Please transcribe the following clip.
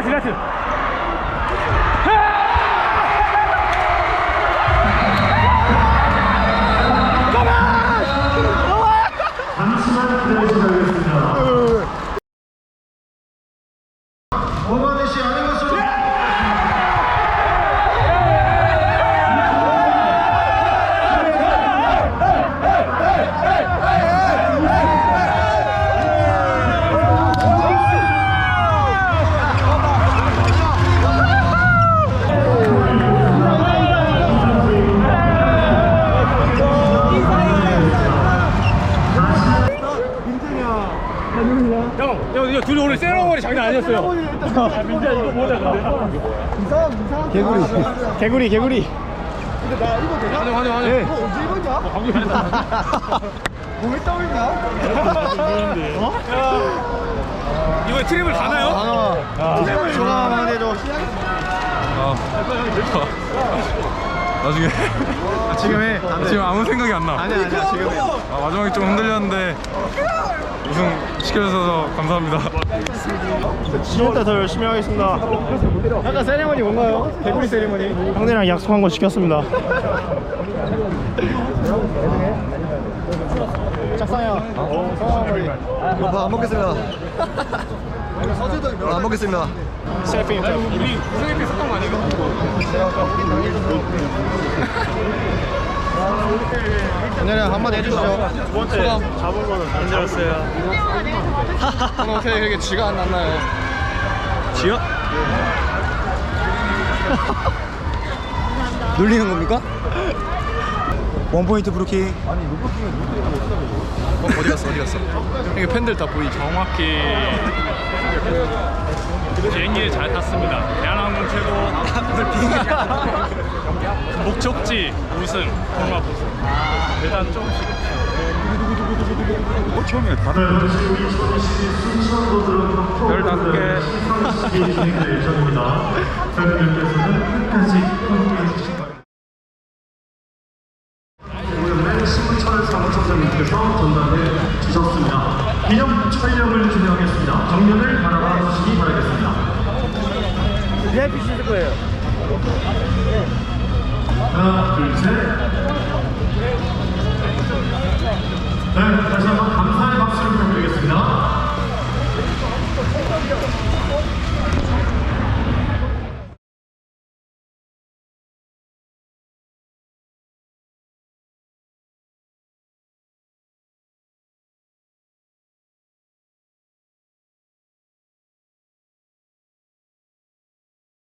나이스. 잠시만 기다리시겠습니다. 오만의 시 아닌 것으로. 형, 둘이 오늘 세러머니 장난 아니었어요. 민재야 이거 뭐냐 근데? 이상한 개구리. 근데 나 이거 되나? 환영. 네. 이거 언제 입었냐? 몸에 떠올리냐? 이번에 트립을 가나요? 트립을 조금만 해줘. 나중에 지금 해. 지금 아무 생각이 안 나. 아니야 지금 해. 마지막에 좀 흔들렸는데 우승 시켜주셔서 감사합니다. 지금부터 더 열심히 하겠습니다. 약간 세리머니 뭔가요? 개구리 세리머니. 형들이랑 약속한 거 지켰습니다. 짝상이야. 안 먹겠습니다. 안 먹겠습니다. 셀피 인터뷰. 우리 우승했기 샀던 거 아니에요? 형들이랑 한마디 해주시죠. 두 번째 잡은 거는 힘들었어요. 오늘 어떻게 그렇게 쥐가 안 났나요? 지요? 놀리는 겁니까? 원포인트 브루킹. 어디 갔어? 이게 팬들 다 보이죠? 정확히 비행기를 잘 탔습니다. 대한항공 최고. 목적지 우승, 통합 우승. 일단 조금씩. 처음에 다들 15개 진행될 예정입니다. 팬분들께서는 끝까지 함께해 주시기 바랍니다. 오늘은 신문철 사무처장님께서 전달해 주셨습니다. 기념 촬영을 진행하겠습니다. 정면을 바라봐 주시기 바라겠습니다. VIP 쓰실 거예요. 하나, 둘, 셋. 네, 다시 한번 감사의 박수를 부탁드리겠습니다.